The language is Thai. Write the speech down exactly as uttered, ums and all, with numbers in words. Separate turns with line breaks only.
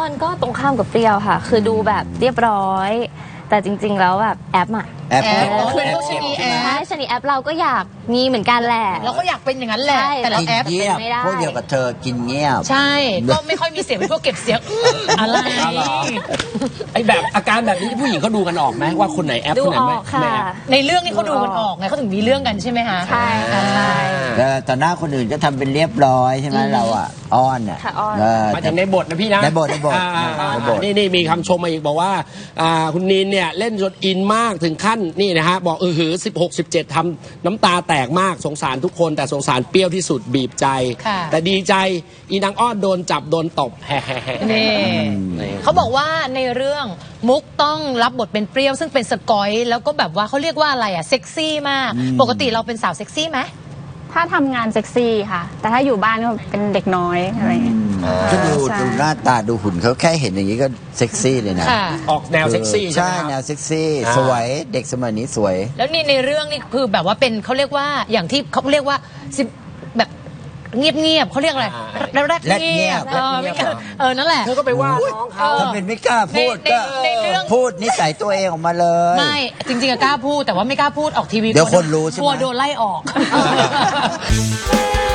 อนก็ตรงข้ามกับเปรี้ยวค่ะคือดูแบบเรียบร้อยแต่จริงๆแล้วแบบแอปอะ
แอป
แอปคือพวกชนีแอ
ใช่
ป
ชนิดแอปเราก็อยากมีเหมือนกันแหละ
เราก็อยากเป็นอย่างนั้นแหละแต่เรา
กิน
แอป
เงียบ
ไม่ได้
พวกเดียวกับเธอกินเงียบ
ใช่ก็ไม่ค่อยมีเสียงเป็นพวกเก็บเสียงอะไร
ไอ้แบบอาการแบบนี้ผู้หญิงเขาดูกันออกไหมว่าคนไหนแอป
ดู
คนไหน
อ
ไม่
อกค่ะ
ไม่แอป
ในเรื่องนี้เขาดูกันออกไงเขาถึงมีเรื่องกันใช่ไหมคะ
ใช่ค่ะใช่
แต่ต่อหน้าคนอื่นก็ทำเป็นเรียบร้อยใช่ไหมเราอ่ะอ้อนอ่ะ
ค่ะอ้อน
เ
หมายถึงในบทนะพี่นะ
ในบทในบท
อ่าอ่าอ่า
ในบท
นี่นี่มีคำชมมาอีกบอกว่าอ่าคุณนีนเนี่ยเล่นจนอินมากถึงขั้นนี่นะฮะบอกเออหือสิบหก สิบเจ็ดทำน้ำตาแตกมากสงสารทุกคนแต่สงสารเปรี้ยวที่สุดบีบใจ
ค่ะ
แต่ดีใจอีนางอ้อนโดนจับโดนตบแฮ่ๆ
นี่เขาบอกว่าในเรื่องมุกต้องรับบทเป็นเปรี้ยวซึ่งเป็นสกอยแล้วก็แบบว่าเขาเรียกว่าอะไรอะเซ็กซี่มากปกติเราเป็นสาวเซ็กซี่ไหม
ถ้าทำงานเซ็กซี่ค่ะ แต่ถ้าอยู่บ้านก็เป็นเด็กน้อยอะไรอย่างเงี้ย
ก็ดู
ใช่
ดูหน้าตาดูหุ่นเขาแค่เห็นอย่างนี้ก็เซ็กซี่เลยนะ
ค่ะ
ออกแนวเซ็กซี่ใช่
ใช่
ไหมครับ
แนวเซ็กซี่
อ่า
สวยเด็กสมัยนี้สวย
แล้วนี่ในเรื่องนี่คือแบบว่าเป็นเขาเรียกว่าอย่างที่เขาเรียกว่าสิบแบบเงียบๆเขาเรียกอะไรแรก
แรดเงียบ
เออไม่กล้าเออนั่นแหละ
เธอก็ไปว่าน้องเขา
ถ้าเป็นไม่กล้าพูด
ใน
ก็
ในในเรื่อง
พูดนิสัยตัวเองออกมาเลย
ไม่จริงๆอะกล้าพูดแต่ว่าไม่กล้าพูดออกทีวี
เดี๋ยวคนรู้ใช่ไหม
กลัวโดนไล่ออก